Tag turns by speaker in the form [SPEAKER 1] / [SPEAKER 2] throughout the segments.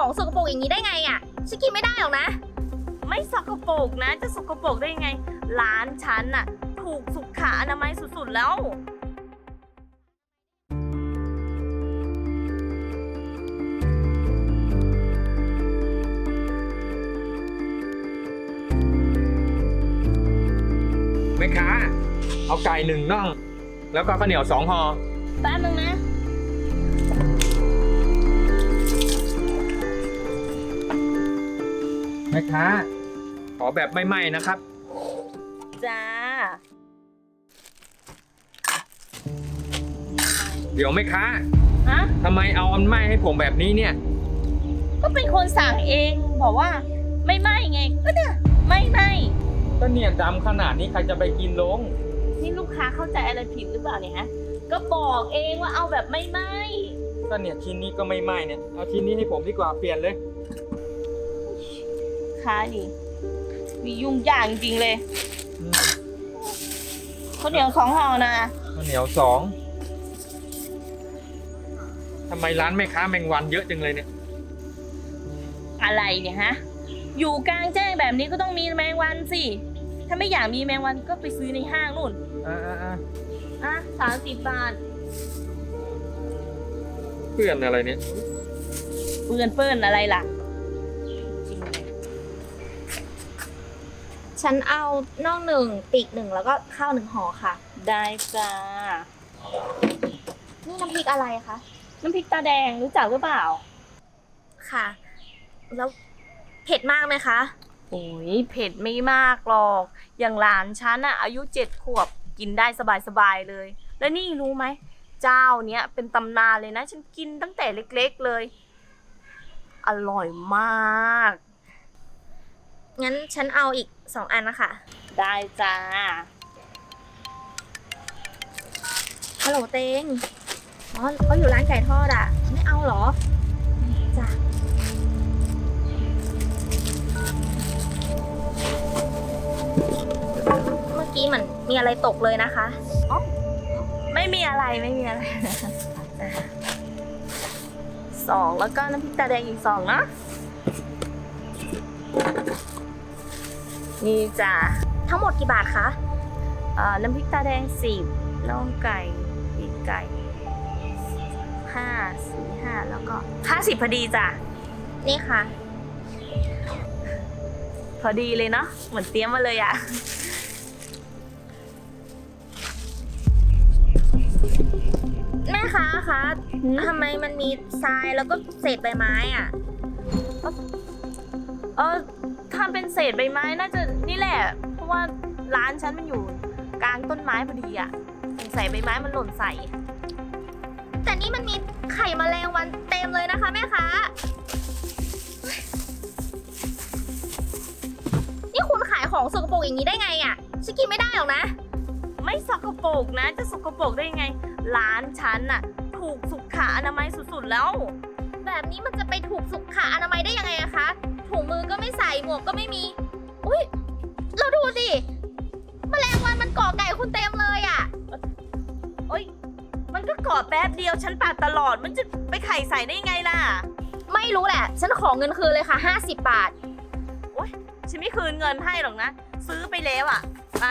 [SPEAKER 1] ของสกปรกอย่างนี้ได้ไงอ่ะฉันกินไม่ได้หรอกนะ
[SPEAKER 2] ไม่สกปรกนะจะสกปรกได้ไงร้านฉันน่ะถูกสุขอนามัยสุดๆแล้ว
[SPEAKER 3] แม่ค้าเอาไก่1 น่องแล้วก็ข้าวเหนียว2 ห่อ
[SPEAKER 2] แป๊บนึงนะ
[SPEAKER 3] แม่ค้าขอแบบไม่ไหม้นะครับ
[SPEAKER 2] จ้า
[SPEAKER 3] เดี๋ยวแม่ค้า
[SPEAKER 2] ฮะ
[SPEAKER 3] ทำไมเอาอันไหม้ให้ผมแบบนี้เนี่ย
[SPEAKER 2] ก็เป็นคนสั่งเองบอกว่าไม่ไหมไงก็เนี่ยไม่ไหม
[SPEAKER 3] ก็เนี่ยดำขนาดนี้ใครจะไปกินลง
[SPEAKER 2] นี่ลูกค้าเข้าใจอะไรผิดหรือเปล่าเนี่ยฮะก็บอกเองว่าเอาแบบไม่ไหม
[SPEAKER 3] ก็เนี่ยชิ้นนี้ก็ไม่ไหม้เนี่ยเอาชิ้นนี้ให้ผมดีกว่าเปลี่ยนเลย
[SPEAKER 2] ค้าดิมียุ่งยากจริงๆเลย
[SPEAKER 3] อืม
[SPEAKER 2] ข้าวเหนียว2 ห่อนะ
[SPEAKER 3] ข้าวเหนียว2ทำไมร้านแม่ค้าแมงวันเยอะจังเลยเนี่ย
[SPEAKER 2] อะไรเนี่ยฮะอยู่กลางแจ้งแบบนี้ก็ต้องมีแมงวันสิถ้าไม่อยากมีแมงวันก็ไปซื้อในห้างนู่น
[SPEAKER 3] อ่า
[SPEAKER 2] อ่ะ30 บาท
[SPEAKER 3] เพื่อนอะไรเนี่ย
[SPEAKER 2] เปื้อนอะไรล่ะจริงเลย
[SPEAKER 1] ฉันเอาน่อง1 ปีก1แล้วก็ข้าว1 ห่อค่ะ
[SPEAKER 2] ได้จ้า
[SPEAKER 1] นี่น้ำพริกอะไรคะ
[SPEAKER 2] น้ำพริกตาแดงรู้จักหรือเปล่า
[SPEAKER 1] ค่ะ แล้วเผ็ดมากไหมคะ
[SPEAKER 2] โอ้ยเผ็ดไม่มากหรอก อย่างหลานฉันอะอายุ7 ขวบกินได้สบายๆเลย แล้วนี่รู้ไหม เจ้าเนี้ยเป็นตำนานเลยนะ ฉันกินตั้งแต่เล็กๆเลย อร่อยมาก
[SPEAKER 1] งั้นฉันเอาอีก2 อันนะคะ
[SPEAKER 2] ได้จ้า
[SPEAKER 1] ฮัลโหลเตงอ๋อเขาอยู่ร้านไก่ทอดอ่ะ ไม่เอาเหรอจ้ะเมื่อกี้เหมือนมีอะไรตกเลยนะคะ
[SPEAKER 2] ไม่มีอะไร 2แล้วก็น้ำพริกตาแดงอีก2นะนี่จ้า
[SPEAKER 1] ทั้งหมดกี่บาทคะ
[SPEAKER 2] น้ำพริกตาแดง10น่องไก่ปีกไก่5 แล้วก็50พอดีจ้ะ
[SPEAKER 1] นี่ค่ะ
[SPEAKER 2] พอดีเลยเนาะเหมือนเตรียมมาเลยอะ
[SPEAKER 1] แม่ค้าคะทำไมมันมีทรายแล้วก็เศษใบไม้อ่ะ
[SPEAKER 2] ถ้าเป็นเศษใบไม้น่าจะนี่แหละ เพราะว่าร้านฉันมันอยู่กลางต้นไม้พอดีอะสงสัยใบไม้มันหล่นใส่
[SPEAKER 1] แต่นี่มันมีไข่แมลงวันเต็มเลยนะคะแม่ค้า นี่คุณขายของสกปรกอย่างนี้ได้ไงอ่ะฉันกินไม่ได้หรอกนะ
[SPEAKER 2] ไม่สกปรกนะจะสกปรกได้ไงร้านฉันน่ะถูกสุขอนามัยสุดๆแล้ว
[SPEAKER 1] แบบนี้มันจะไปถูกสุขอนามัยได้ยังไงอะคะ ถุงมือก็ไม่ใส่หมวกก็ไม่มี อุ้ยเราดูสิแมลงวันมันเกาะไก่คุณเต็มเลยอะ
[SPEAKER 2] โอ๊ยมันก็กอดแป๊บเดียวฉันปาดตลอดมันจะไปไข่ใส่ได้ไงล่ะ
[SPEAKER 1] ไม่รู้แหละ ฉันขอเงินคืนเลยค่ะ50 บาท
[SPEAKER 2] โอ๊ยฉันไม่คืนเงินให้หรอกนะซื้อไปแล้วอ่ะไป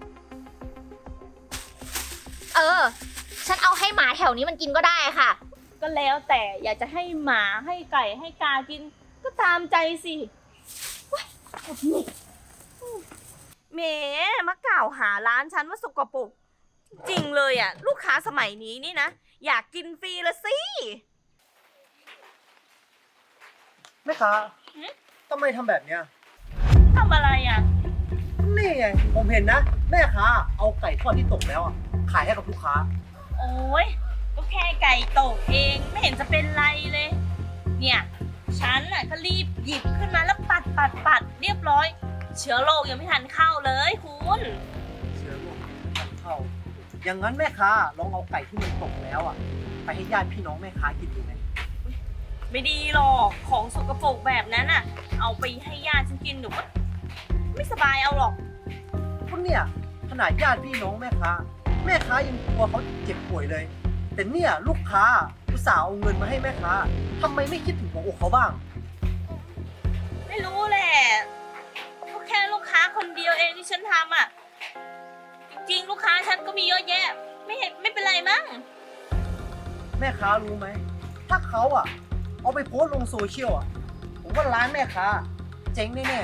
[SPEAKER 1] ฉันเอาให้หมาแถวนี้มันกินก็ได้ค่ะ
[SPEAKER 2] ก็แล้วแต่อยากจะให้หมาให้ไก่ให้กากินก็ตามใจสิแหมมากล่าวหาร้านฉันว่าสกปรกจริงเลยอ่ะลูกค้าสมัยนี้นี่นะอยากกินฟรีละสิ
[SPEAKER 4] แม่ค้าทำไมทำแบบเนี้ย
[SPEAKER 2] ทำอะไรอ่ะ
[SPEAKER 4] นี่ไงผมเห็นนะ แม่ค้าเอาไก่ทอดที่ตกแล้วอะขายให้กับลูกค้า
[SPEAKER 2] โอ้ยก็แค่ไก่ตกเองไม่เห็นจะเป็นไรเลย เนี่ยฉันน่ะก็รีบหยิบขึ้นมาแล้วปัดเรียบร้อย เชื้อโรคยังไม่ทันเข้าเลยคุณ
[SPEAKER 4] เชื้อโรคมันเข้า อย่างนั้นแม่ค้าลองเอาไก่ที่มันตกแล้วอะไปให้ญาติพี่น้องแม่ค้ากินดูไหม
[SPEAKER 2] ไม่ดีหรอกของสกปรกแบบนั้นน่ะ เอาไปให้ญาติฉันกินหนูก็ไม่สบายเอาหรอก
[SPEAKER 4] คุณเนี่ยขนาดญาติพี่น้องแม่ค้ายังกลัวเขาเจ็บป่วยเลยแต่เนี่ยลูกค้าอุตส่าห์เอาเงินมาให้แม่ค้าทำไมไม่คิดถึงหัวอกเขาบ้าง
[SPEAKER 2] ไม่รู้แหละก็แค่ลูกค้าคนเดียวเองที่ฉันทำอ่ะ จริงๆ ลูกค้าฉันก็มีเยอะแยะ ไม่เป็นไรมั้ง
[SPEAKER 4] แม่ค้ารู้ไหม ถ้าเขาอะเอาไปโพสต์ลงโซเชียลอะผมว่าร้านแม่ค้าเจ๊งแน่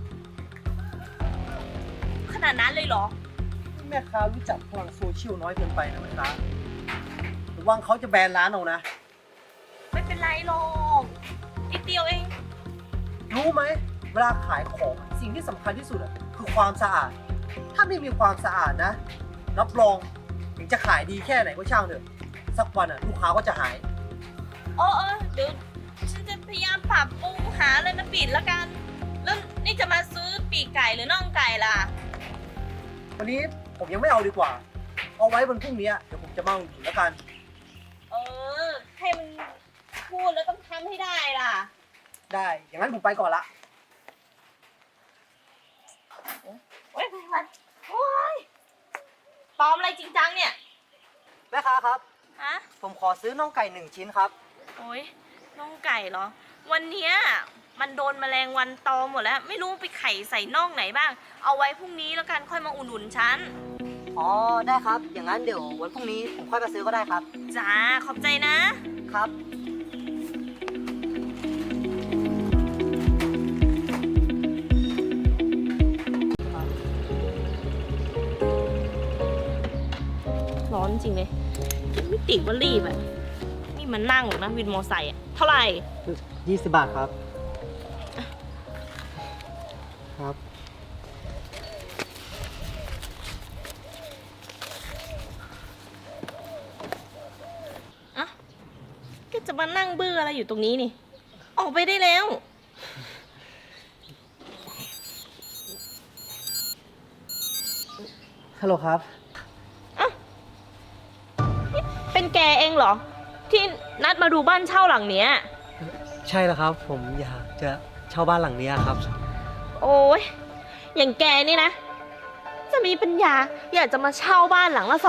[SPEAKER 2] ขนาดนั้นเลยเหรอ
[SPEAKER 4] ๆแม่ค้ารู้จักพลังโซเชียลน้อยเกินไปนะแม่ค้าระวังเขาจะแบนร้านเอานะ
[SPEAKER 2] ไม่เป็นไรหรอกนิดเดียวเอง
[SPEAKER 4] รู้ไหมเวลาขายของสิ่งที่สำคัญที่สุดอะคือความสะอาด ถ้าไม่มีความสะอาดนะรับรองถึงจะขายดีแค่ไหนก็ช่างเถอะสักวันอะลูกค้าก็จะหาย
[SPEAKER 2] เออเดี๋ยวฉันจะพยายามปรับปรุงหาอะไรมาปิดแล้วกัน แล้วนี่จะมาซื้อปีกไก่หรือน่องไก่ล่ะ
[SPEAKER 4] วันนี้ผมยังไม่เอาดีกว่า เอาไว้วันพรุ่งนี้เดี๋ยวผมจะมาอุดหนุนแล้วกัน
[SPEAKER 2] เออ ให้มันพูดแล้วต้องทำให้ได้ล่ะ
[SPEAKER 4] ได้ อย่างนั้นผมไปก่อนละ
[SPEAKER 2] โอ๊ยไปโอ๊ยปลอมอะไรจริงจังเนี่ย
[SPEAKER 4] แม่ค้าครับ
[SPEAKER 2] ฮะ
[SPEAKER 4] ผมขอซื้อน่องไก่1 ชิ้นครับ
[SPEAKER 2] โอ๊ยน่องไก่เหรอ วันเนี้ยมันโดนแมลงวันตอมหมดแล้ว ไม่รู้ไปไข่ใส่น่องไหนบ้าง เอาไว้พรุ่งนี้แล้วกันค่อยมาอุ่นหนุนฉัน
[SPEAKER 5] อ๋อ ได้ครับ อย่างนั้นเดี๋ยววันพรุ่งนี้ผมค่อยมาซื้อก็ได้ครับ
[SPEAKER 2] จ้า ขอบใจนะ
[SPEAKER 5] ครับ
[SPEAKER 2] ร้อนจริงเลยไม่ติดว่ารีบอ่ะ นี่มันนั่งหรอกนะวินมอไซค์อ่ะ เท่าไหร่
[SPEAKER 5] 20 บาทครับ ครับ
[SPEAKER 2] อ่ะก็จะมานั่งเบื่ออะไรอยู่ตรงนี้นี่ ออกไปได้แล้ว
[SPEAKER 5] ฮัลโหลครับ
[SPEAKER 2] เป็นแกเองเหรอ ที่นัดมาดูบ้านเช่าหลังเนี้ย
[SPEAKER 5] ใช่แล้วครับ ผมอยากจะเช่าบ้านหลังนี้ครับ
[SPEAKER 2] โอ้ยอย่างแกนี่นะ จะมีปัญญาอยากจะมาเช่าบ้านหลังละ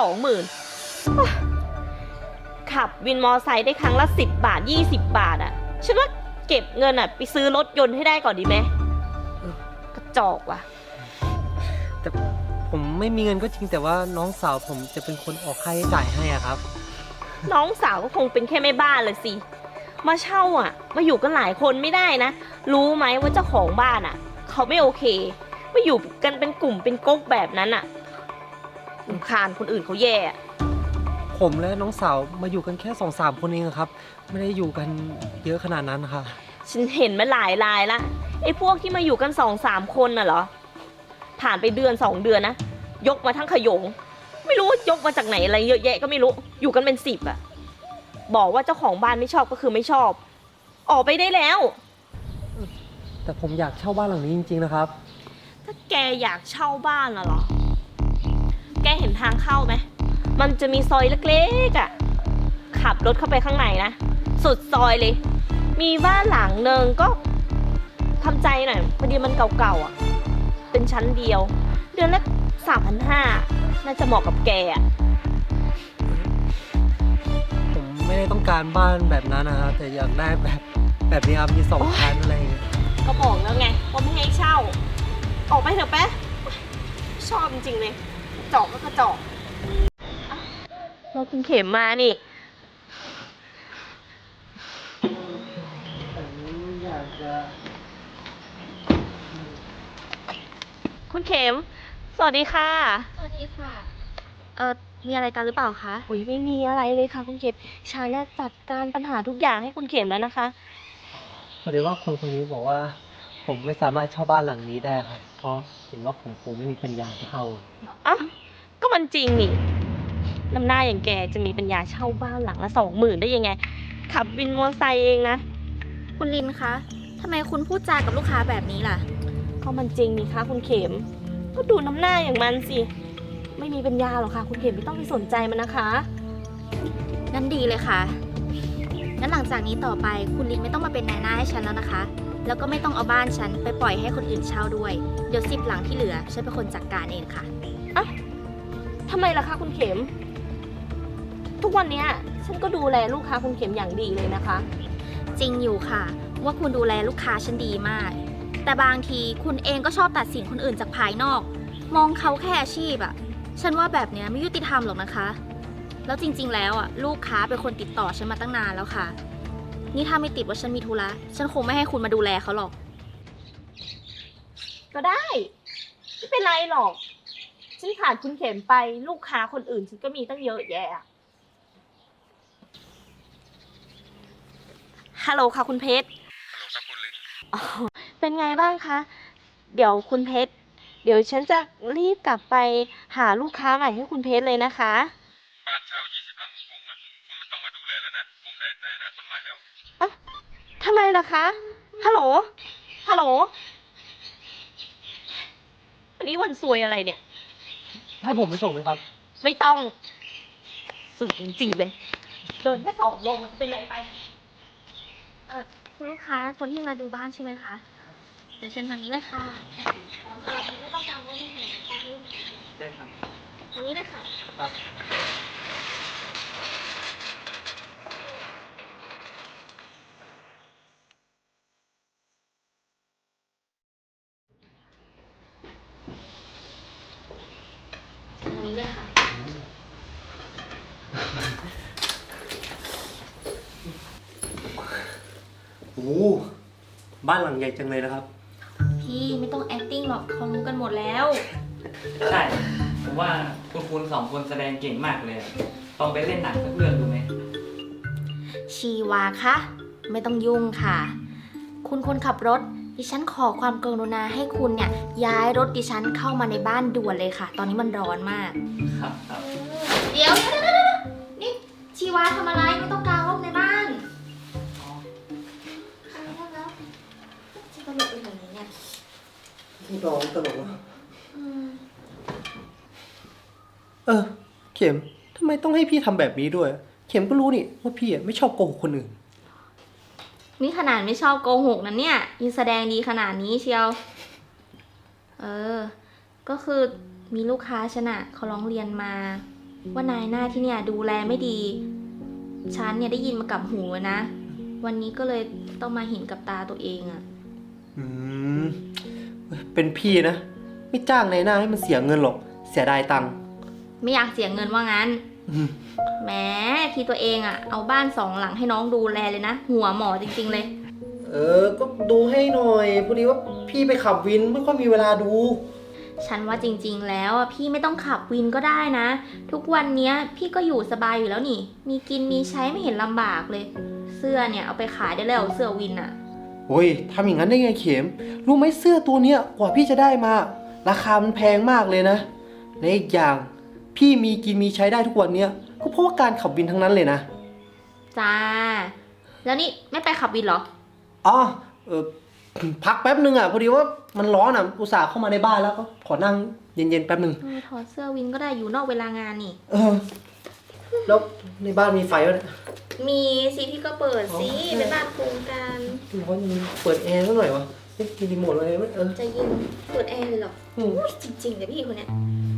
[SPEAKER 2] 20,000ขับวินมอไซค์ได้ครั้งละ10 บาท 20 บาทอ่ะ ฉันว่าเก็บเงินอ่ะไปซื้อรถยนต์ให้ได้ก่อนดีไหมกระจอกว่ะ
[SPEAKER 5] แต่ผมไม่มีเงินก็จริงแต่ว่าน้องสาวผมจะเป็นคนออกค่าใช้จ่ายให้อะครับ
[SPEAKER 2] น้องสาวก็คงเป็นแค่แม่บ้านเลยสิ มาเช่าอ่ะ มาอยู่กันหลายคนไม่ได้นะ รู้ไหมว่าเจ้าของบ้านอ่ะ เขาไม่โอเคมาอยู่กันเป็นกลุ่มเป็นก๊กแบบนั้นอ่ะรำคาญคนอื่นเขาแย่อะ
[SPEAKER 5] ผมและน้องสาวมาอยู่กันแค่2-3 คนเองครับ ไม่ได้อยู่กันเยอะขนาดนั้นค่ะ
[SPEAKER 2] ฉันเห็นมาหลายรายละไอ้พวกที่มาอยู่กัน 2-3 คนน่ะเหรอ ผ่านไปเดือน 2 เดือนนะ ยกมาทั้งขยง ไม่รู้ว่ายกมาจากไหนอะไรเยอะแยะก็ไม่รู้ อยู่กันเป็น10อ่ะ บอกว่าเจ้าของบ้านไม่ชอบก็คือไม่ชอบ ออกไปได้แล้ว
[SPEAKER 5] แต่ผมอยากเช่าบ้านหลังนี้จริงๆนะครับ
[SPEAKER 2] ถ้าแกอยากเช่าบ้านน่ะเหรอ แกเห็นทางเข้าไหม มันจะมีซอยเล็กๆอ่ะ ขับรถเข้าไปข้างในนะ สุดซอยเลย มีบ้านหลังหนึ่งก็ทำใจหน่อยพอดีมันเก่าๆอ่ะ เป็นชั้นเดียว เดือนละ3,500น่าจะเหมาะกับแกอ่ะ
[SPEAKER 5] ผมไม่ได้ต้องการบ้านแบบนั้นนะครับแต่อยากได้แบบนี้ครับมี2 ชั้นอะไรอย่างเงี้ย
[SPEAKER 2] ก็บอกแล้วไงว่าไม่ให้เช่า ออกไปเถอะแป๊ะชอบจริงๆเลยจอกก็กระจอกเราคุณเข็มมานี่
[SPEAKER 5] อยากจะ
[SPEAKER 2] คุณเข็ม สวัสดีค่ะ
[SPEAKER 1] สวัสดีค่ะ มีอะไรกันหรือเปล่าคะ
[SPEAKER 2] อุ้ยไม่มีอะไรเลยค่ะคุณเข็มฉันจะจัดการปัญหาทุกอย่างให้คุณเข็มแล้วนะคะ
[SPEAKER 5] พอดีว่าคนนี้บอกว่า ผมไม่สามารถเช่าบ้านหลังนี้ได้ครับเพราะเห็นว่าผมคงไม่มีปัญญาเช่า
[SPEAKER 2] อ่ะก็มันจริงนี่น้ำหน้าอย่างแกจะมีปัญญาเช่าบ้านหลังละ20,000ได้ยังไง ขับวินมอเตอร์ไซค์เองนะ
[SPEAKER 1] คุณลินคะทำไมคุณพูดจากับลูกค้าแบบนี้ล่ะ
[SPEAKER 2] ก็มันจริงนี่คะคุณเข็ม ก็ดูน้ำหน้าอย่างมันสิ ไม่มีปัญญาหรอกค่ะ คุณเข็มไม่ต้องไปสนใจมันนะคะ
[SPEAKER 1] งั้นดีเลยค่ะ งั้นหลังจากนี้ต่อไปคุณลินไม่ต้องมาเป็นนายหน้าให้ฉันแล้วนะคะ แล้วก็ไม่ต้องเอาบ้านฉันไปปล่อยให้คนอื่นเช่าด้วย เดี๋ยว10 หลังที่เหลือฉันเป็นคนจัดการเองค่ะ
[SPEAKER 2] ทำไมล่ะคะคุณเข็มทุกวันเนี้ยฉันก็ดูแลลูกค้าคุณเข็มอย่างดีเลยนะคะ
[SPEAKER 1] จริงอยู่ค่ะ ว่าคุณดูแลลูกค้าฉันดีมาก แต่บางทีคุณเองก็ชอบตัดสินคนอื่นจากภายนอก มองเขาแค่อาชีพอะฉันว่าแบบเนี้ยไม่ยุติธรรมหรอกนะคะ แล้วจริงๆแล้วอะลูกค้าเป็นคนติดต่อฉันมาตั้งนานแล้วค่ะ นี่ถ้าไม่ติดว่าฉันมีธุระฉันคงไม่ให้คุณมาดูแลเขาหรอก
[SPEAKER 2] ก็ได้ ไม่เป็นไรหรอก ฉันขาดคุณเข็มไปลูกค้าคนอื่นฉันก็มีตั้งเยอะแยะอะฮัลโหลค่ะคุณเพชร
[SPEAKER 3] ฮัลโหลครับคุณลิน
[SPEAKER 2] เป็นไงบ้างคะ เดี๋ยวคุณเพชร เดี๋ยวฉันจะรีบกลับไปหาลูกค้าใหม่ให้คุณเพชรเลยนะคะ
[SPEAKER 3] บ้านเช่า20 หลังของผมอ่ะคุณไม่ต้องมาดูแลแล้วนะ ผมได้คนใหม่แล้ว
[SPEAKER 2] ทำไมล่ะคะ ฮัลโหล ฮัลโหล วันนี้วันซวยอะไรเนี่ย
[SPEAKER 5] ให้ผมไปส่งไหมครับ
[SPEAKER 2] ไม่ต้องสุดจริงๆเลย เดินแค่2 โลเป็นไรไป
[SPEAKER 1] คุณลูกค้าคนที่มาดูบ้านใช่ไหมคะ เดี๋ยวเชิญทางนี้เลยค่ะไม่ต้องกังวลไม่เห็นนะคะ
[SPEAKER 5] ได้ครับ
[SPEAKER 1] ทางนี้เลยค่ะ
[SPEAKER 5] ครับ
[SPEAKER 1] ทางนี้เลยค่ะ
[SPEAKER 4] โอ้โหบ้านหลังใหญ่จังเลยนะครับ
[SPEAKER 1] พี่ไม่ต้อง acting หรอกเขารู้กันหมดแล้ว
[SPEAKER 6] ใช่ ผมว่าคุณสองคนแสดงเก่งมากเลยอะลองไปเล่นหนังสักเรื่องดูไหม
[SPEAKER 1] ชีวาคะไม่ต้องยุ่งค่ะ คุณคนขับรถ ดิฉันขอความกรุณาให้คุณเนี่ยย้ายรถดิฉันเข้ามาในบ้านด่วนเลยค่ะ ตอนนี้มันร้อนมาก
[SPEAKER 6] ครับครับ
[SPEAKER 1] เดี๋ยวนี่ชีวาทำอะไรไม่ต้องกางร่มในบ้านแล้วชีตลกไปแบบนี้เนี่ย
[SPEAKER 4] พี่น้องตลกวะ
[SPEAKER 1] อืม
[SPEAKER 4] เข็มทำไมต้องให้พี่ทำแบบนี้ด้วย เข็มก็รู้นี่ว่าพี่ไม่ชอบโกหกคนอื่น
[SPEAKER 1] นี่ขนาดไม่ชอบโกหกนะเนี่ยยังแสดงดีขนาดนี้เชียว ก็คือมีลูกค้าฉันอะเขาร้องเรียนมา ว่านายหน้าที่เนี่ยดูแลไม่ดี ฉันเนี่ยได้ยินมากับหูนะ วันนี้ก็เลยต้องมาเห็นกับตาตัวเองอะ
[SPEAKER 4] อืม เป็นพี่นะ ไม่จ้างในหน้าให้มันเสียเงินหรอก เสียดายตังค์
[SPEAKER 1] ไม่อยากเสียเงินว่างั้น
[SPEAKER 4] อืม
[SPEAKER 1] แหมที่ตัวเองอะเอาบ้าน2 หลังให้น้องดูแลเลยนะ หัวหมอจริงๆเลย
[SPEAKER 4] ก็ดูให้หน่อย พอดีว่าพี่ไปขับวินไม่ค่อยมีเวลาดู
[SPEAKER 1] ฉันว่าจริงๆแล้วอะพี่ไม่ต้องขับวินก็ได้นะ ทุกวันเนี้ยพี่ก็อยู่สบายอยู่แล้วนี่ มีกินมีใช้ไม่เห็นลำบากเลย เสื้อเนี่ยเอาไปขายได้แล้วเสื้อวินอะ
[SPEAKER 4] โอ้ยทำอย่างนั้นได้ไงเข็ม รู้ไหมเสื้อตัวเนี้ยกว่าพี่จะได้มา ราคามันแพงมากเลยนะ และอีกอย่างพี่มีกินมีใช้ได้ทุกวันเนี้ยก็เพราะว่าการขับวินทั้งนั้นเลยนะ
[SPEAKER 1] จ้า แล้วนี่ไม่ไปขับวินเหรอ
[SPEAKER 4] อ๋อพักแป๊บนึงอ่ะพอดีว่ามันร้อนอ่ะอุตส่าห์เข้ามาในบ้านแล้วก็ขอนั่งเย็นๆแป๊บนึง
[SPEAKER 1] ถอดเสื้อวินก็ได้อยู่นอกเวลางานนี่
[SPEAKER 4] แล้วในบ้านมีไฟวะเนี่ย
[SPEAKER 1] มีสิพี่ก็เปิดสิ
[SPEAKER 4] อ๋อ
[SPEAKER 1] เป็นบ้านโครงการ
[SPEAKER 4] ร้อนยังเปิดแอร์สักหน่อยวะมีรีโมทอะไรไหม
[SPEAKER 1] จะยินเปิดแอร์เลยเหรอ
[SPEAKER 4] อืม
[SPEAKER 1] อุ๊ยจริงๆเลยพี่คนเนี้ย